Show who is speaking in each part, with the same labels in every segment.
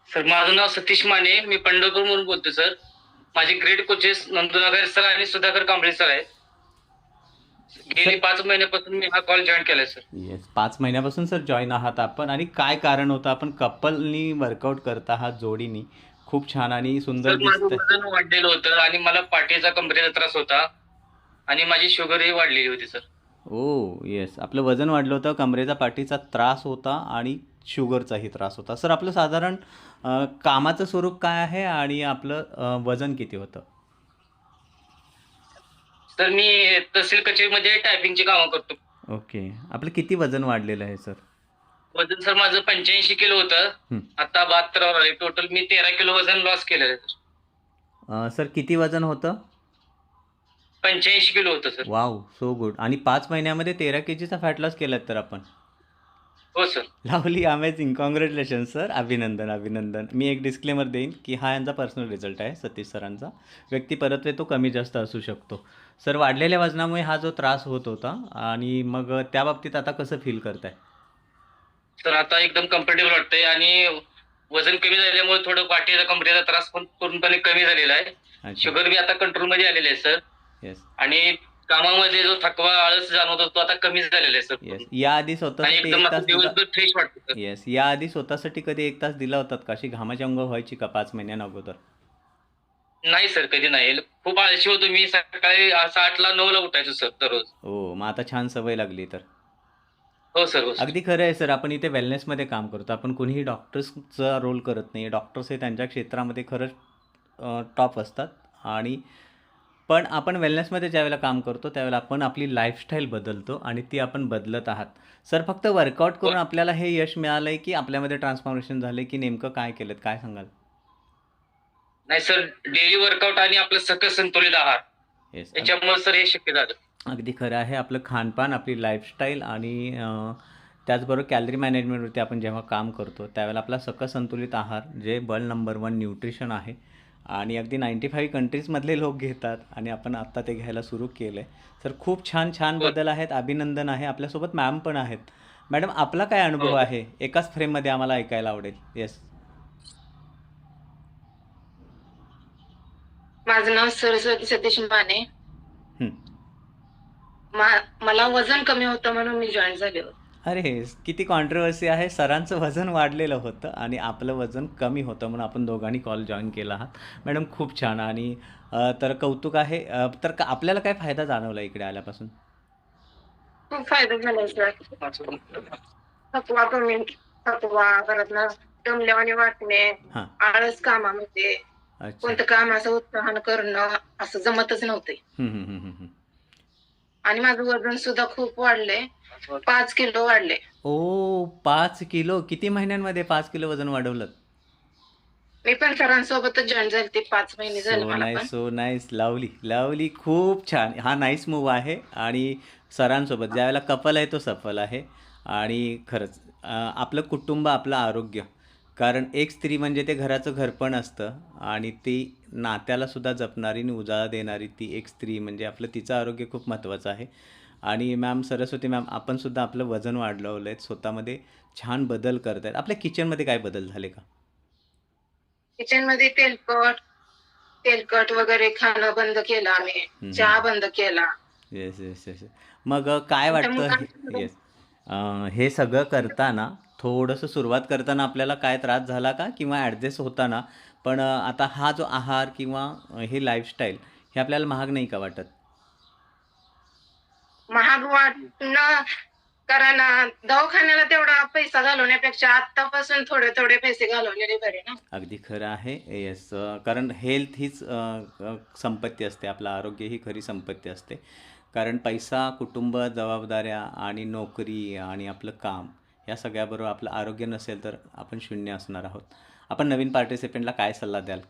Speaker 1: Sir माझं नाव सतीश माने, मी पंढरपूरवरून बोलतो sir. माझे ग्रेड कोचेस नंदुनगर सर आणि सुधाकर कांबळे सर आहेत. गेली
Speaker 2: सर
Speaker 1: 5 महिन्यापासून मी हा कॉल जॉईन केलाय सर.
Speaker 2: येस, 5 महिन्यापासून सर जॉईन आहात आपण. आणि काय कारण होतं? आपण कपलनी वर्कआउट करत आहात जोडीनी. खूप छान आणि सुंदर
Speaker 1: सर माझं
Speaker 2: दिसतंय.
Speaker 1: वजन वाढलेलं होतं आणि मला पाठीचा कमरेचा त्रास होता आणि माझी शुगरही वाढलेली होती सर.
Speaker 2: ओ येस, आपलं वजन वाढलं होतं, कमरेचा पाठीचा त्रास होता आणि शुगरचाही त्रास होता. सर आपलं साधारण कामाचं स्वरूप काय आहे आणि आपलं वजन किती होतं?
Speaker 1: सर मी तहसील कचेरीमध्ये टायपिंगची कामं करतो.
Speaker 2: ओके, आपलं किती वजन वाढलेलं आहे सर?
Speaker 1: वजन सर माझं 85 किलो होतं.
Speaker 2: हं.
Speaker 1: आता 72 आले. टोटल मी 13 किलो वजन लॉस केलेलं आहे सर.
Speaker 2: सर किती वजन होतं?
Speaker 1: 85 किलो होतं सर.
Speaker 2: Wow, so good. आणि 5 महिन्यामध्ये 13 kg फॅट लॉस केलात तर आपण.
Speaker 1: हो sir.
Speaker 2: Lovely, amazing, congratulation sir. अभिनंदन अभिनंदन. मी एक डिस्क्लेमर देईन की हा यांचा पर्सनल रिझल्ट आहे सतीश सरांचा. व्यक्ती परत्वे तो कमी जास्त असू शकतो. सर वाढलेल्या वजनामुळे हा जो त्रास होत होता, आणि मग त्या बाबतीत आता कसं फील करताय?
Speaker 1: तर आता एकदम कम्फर्टेबल वाटतंय आणि वजन कमी झाल्यामुळे थोडं पाठीचा कमरेचा त्रास पण पूर्णपणे कमी झालेला आहे.
Speaker 2: अच्छा.
Speaker 1: शुगर बी आता कंट्रोलमध्ये आलेली आहे सर.
Speaker 2: येस.
Speaker 1: आणि कामामध्ये जो थकवा आळस जाणवत होता तो आता कमी झालेला आहे सर
Speaker 2: येस,
Speaker 1: पूर्ण.
Speaker 2: याआधी
Speaker 1: आणि
Speaker 2: स्वतःसाठी
Speaker 1: एकदम
Speaker 2: एक
Speaker 1: असं
Speaker 2: तास दिला?
Speaker 1: दिवसभर फ्रेश वाटतं सर.
Speaker 2: येस, याआधी स्वतःसाठी कधी 1 तास दिला होतात का? अशी घामाची अंग व्हायची का 5 महिन्यांअगोदर?
Speaker 1: नाही सर, कधी नाही. खूप आळशी होतो मी. सकाळी 8ला 9ला उठायचो सर दररोज.
Speaker 2: हो, मग आता छान सवय लागली तर.
Speaker 1: हो सर, हो सर.
Speaker 2: अगदी खरं आहे सर. आपण इथे वेलनेसमध्ये काम करतो. आपण कोणीही डॉक्टर्सचा रोल करत नाही. डॉक्टर्स हे त्यांच्या क्षेत्रामध्ये खरंच टॉप असतात. आणि पण आपण वेलनेसमध्ये ज्यावेळेला काम करतो त्यावेळेला आपण आपली लाईफस्टाईल बदलतो आणि ती आपण बदलत आहात. सर फक्त वर्कआउट
Speaker 1: हो.
Speaker 2: करून आपल्याला हे यश मिळालंय की आपल्यामध्ये ट्रान्सफॉर्मेशन झाले, की नेमकं काय केलंत? काय सांगाल?
Speaker 1: नाही सर, डेली वर्कआउट आणि आपलं सकस संतुलित आहार
Speaker 2: येस,
Speaker 1: याच्यामुळे सर हे शक्य झालं.
Speaker 2: अगदी खरं आहे. आपलं खानपान, आपली लाईफस्टाईल आणि त्याचबरोबर कॅलरी मॅनेजमेंटवरती आपण जेव्हा काम करतो त्यावेळेला आपला सकस संतुलित आहार, जे बल नंबर 1 न्यूट्रिशन आहे, आणि अगदी 95 कंट्रीजमधले लोक घेतात आणि आपण आत्ता ते घ्यायला सुरू केलं आहे. तर खूप छान छान
Speaker 1: हो.
Speaker 2: बदल आहेत. अभिनंदन आहे. आपल्यासोबत मॅम पण आहेत. मॅडम, आपला काय अनुभव
Speaker 1: हो.
Speaker 2: आहे? एकाच फ्रेममध्ये आम्हाला ऐकायला आवडेल. येस.
Speaker 3: माझं नाव सरस्वती सतीश माने.
Speaker 2: हं.
Speaker 3: मला वजन कमी होतं म्हणून मी जॉईन झाले होते.
Speaker 2: अरे, किती कॉन्ट्रोवर्सी आहे. सरांचं वजन वाढलेलं होतं आणि आपलं वजन कमी होतं म्हणून आपण दोघांनी कॉल जॉईन केला आहात. मॅडम खूप छान. आणि तर कौतुक आहे. तर आपल्याला काय फायदा जाणवला इकडे आल्यापासून?
Speaker 3: खूप फायदा झाला सर. थकवा कमी, थकवा परत ना दमल्यावानी वाटणे,
Speaker 2: हां.
Speaker 3: आळस कामामध्ये,
Speaker 2: अच्छा.
Speaker 3: कोणतं काम असं उत्साहानं करणं असं जमतच नव्हते.
Speaker 2: हं, हं, हं, हं, हं.
Speaker 3: आणि माझं वजन सुद्धा खूप वाढले. 5 किलो वाढले.
Speaker 2: ओ, 5 किलो! किती महिन्यांमध्ये 5 किलो वजन वाढवलं?
Speaker 3: मी पण सरांसोबतच जॉईन झाले. ते 5 महिने झाले
Speaker 2: सो
Speaker 3: मला पण.
Speaker 2: Nice, so nice. Lovely, lovely. खूप छान. हा नाईस मूव्ह आहे. आणि सरांसोबत ज्यावेळेला कपल आहे तो सफल आहे. आणि खरंच आपलं कुटुंब, आपलं आरोग्य. कारण एक स्त्री म्हणजे ते घराचं घरपण असतं, आणि ती नात्यालासुद्धा जपणारी आणि उजाळा देणारी ती एक स्त्री म्हणजे आपलं तिचं आरोग्य खूप महत्त्वाचं आहे. आणि मॅम, सरस्वती मॅम, आपणसुद्धा आपलं वजन वाढवलं आहे. स्वतःमध्ये छान बदल करत आहेत. आपल्या किचनमध्ये काय बदल झाले का?
Speaker 3: किचनमध्ये तेलकट तेलकट वगैरे खाणं बंद केलं आम्ही.
Speaker 2: हं, हं.
Speaker 3: चहा बंद केला.
Speaker 2: Yes, yes, yes. मग काय
Speaker 3: आमच्या
Speaker 2: वाटतं हे?
Speaker 3: मुलांना
Speaker 2: येस. हे सगळं करताना थोडंसं सुरुवात करताना आपल्याला काय त्रास झाला का? किंवा ॲडजस्ट होताना पण आता हा जो आहार किंवा हे लाईफस्टाईल हे आपल्याला महाग नाही का वाटत?
Speaker 3: महाग वाटणं, कारण दवाखान्याला तेवढा पैसा घालवण्यापेक्षा आत्तापासून थोडे थोडे पैसे घालवलेले बरे ना.
Speaker 2: अगदी खरं आहे. येस. कारण हेल्थ हीच संपत्ती असते. आपलं आरोग्य ही खरी संपत्ती असते. कारण पैसा, कुटुंब, जबाबदाऱ्या आणि नोकरी आणि आपलं काम, या सगळ्याबरोबर आपलं आरोग्य नसेल तर आपण शून्य असणार आहोत. आपण नवीन पार्टिसिपंटला काय सल्ला द्याल?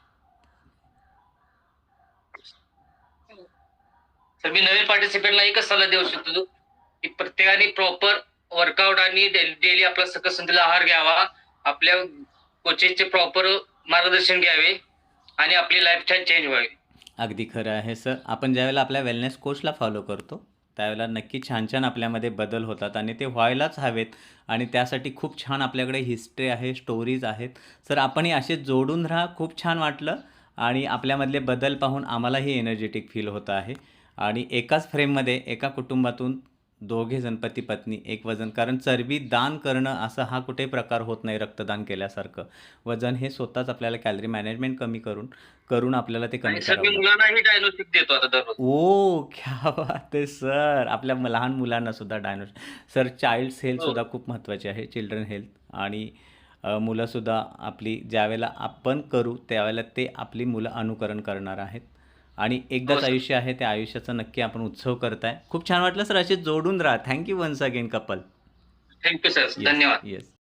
Speaker 1: तर मी नवीन पार्टिसिपेंटला एकच सल्ला देऊ शकतो की प्रत्येकाने प्रॉपर वर्कआउट आणि डेली आपला सकस संतुलित आहार घ्यावा. आपल्या कोचेसचे प्रॉपर मार्गदर्शन घ्यावे आणि आपली लाईफस्टाईल चेंज व्हावी.
Speaker 2: अगदी खरं आहे सर. आपण ज्यावेळेला आपल्या वेलनेस कोचला फॉलो करतो त्यावेळेला नक्की छान छान आपल्यामध्ये बदल होतात आणि ते व्हायलाच हवेत. आणि त्यासाठी खूप छान आपल्याकडे हिस्ट्री आहे, स्टोरीज आहेत. सर आपणही असे जोडून राहा. खूप छान वाटलं आणि आपल्यामधले बदल पाहून आम्हालाही एनर्जेटिक फील होतं आहे. आणि एकाच फ्रेममध्ये एका कुटुंबातून दोघे जण पती पत्नी एक वजन, कारण चरबी दान करणं असा हा कुठे प्रकार होत नाही रक्तदान केल्यासारखं. वजन हे स्वतःच आपल्याला कॅलरी मॅनेजमेंट कमी करून करून आपल्याला ते कमी
Speaker 1: आणि सर मी
Speaker 2: करावं लागतं.
Speaker 1: मुलांनाही डायनोस्टिक देतो आता दररोज.
Speaker 2: ओ क्या बात आहे सर. आपल्या लहान मुलांना सुद्धा सर चाइल्ड्स हेल्थ
Speaker 1: हो.
Speaker 2: सुद्धा खूप महत्त्वाची आहे, चिल्ड्रन हेल्थ. आणि मुलंसुद्धा आपली ज्यावेळेला आपण करू त्यावेळेला ते आपली मुलं अनुकरण करणार आहेत. आणि
Speaker 1: हो
Speaker 2: एकदाच
Speaker 1: सर.
Speaker 2: आयुष्य आहे, त्या आयुष्याचा नक्की आपण उत्सव करताय. खूप छान वाटलं सर. असे जोडून राहा. Thank you once again couple.
Speaker 1: Thank you sir.
Speaker 2: Yes
Speaker 1: धन्यवाद.
Speaker 2: येस.